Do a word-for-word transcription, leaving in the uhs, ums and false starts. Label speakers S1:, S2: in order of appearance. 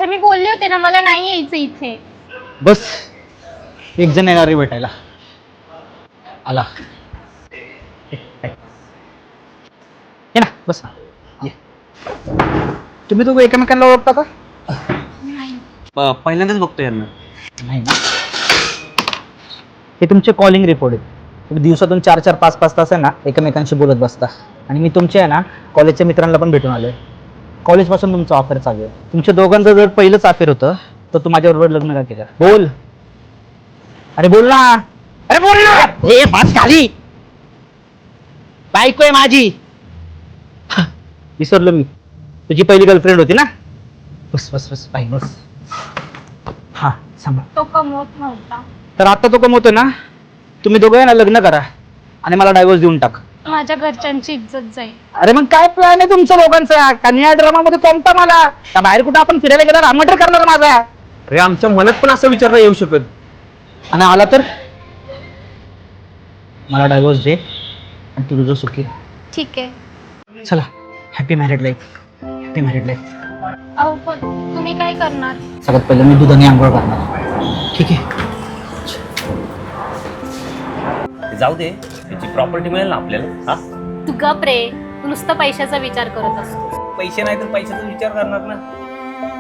S1: तर मी बोलले होते ना मला नाही यायचं इथे.
S2: बस एक जण येणार आहे भेटायला. आला. ये ना बस ना. ये. तुम्ही दोघं एकमेकांना ओळखता का?
S3: पहिल्यांदाच बघतो यांना.
S2: नाही ना. हे तुमचे कॉलिंग रिपोर्ट आहेत. तुम्ही दिवसातून चार चार पाच पाच तास आहे ना एकमेकांशी बोलत बसता. आणि मी तुमचे आहे ना कॉलेजच्या मित्रांना पण भेटून आलोय. कॉलेजपासून तुमचं ऑफर चालू आहे. तुमच्या दोघांचं जर पहिलंच अफेअर होतं तर तू माझ्याबरोबर लग्न का केलं? बोल. अरे बोल ना. अरे बोल ना. ए बस खाली. बायको आहे माझी. विसरलो मी. तुझी पहिली गर्लफ्रेंड होती ना. बस बस बस बाई बस. हा सांभाळ.
S1: तो कमवत नव्हता.
S2: तर आता तो कमवतोय ना. तुम्ही दोघं आहे ना लग्न करा आणि मला डायव्होर्स देऊन टाक.
S1: माझ्या घरच्यांची इज्जत जाईल.
S2: अरे मग काय प्लॅन आहे तुमचं लोकांचा? कन्या ड्रामा मध्ये कोणता मला त्या बाहेर कुठं आपण फिरायला गेला रामटर करणार माझा.
S3: अरे आमच्या मनात पण असं विचार नाही येऊ शकत.
S2: आणि आला तर मला डायव्होर्स दे आणि तू तुझं सुखी.
S1: ठीक आहे.
S2: चला happy married life. Happy married life.
S1: अहो पण तुम्ही काय करणार?
S2: सगळ्यात पहिलं मी दुधाने आंघोळ करणार. ठीक आहे.
S3: जाऊ दे, त्याची प्रॉपर्टी मिळेल ना आपल्याला. हा
S1: तू गप रे. तू नुसतं पैशाचा विचार करत असतो.
S3: पैसे नाही तर पैशाचा विचार करणार ना.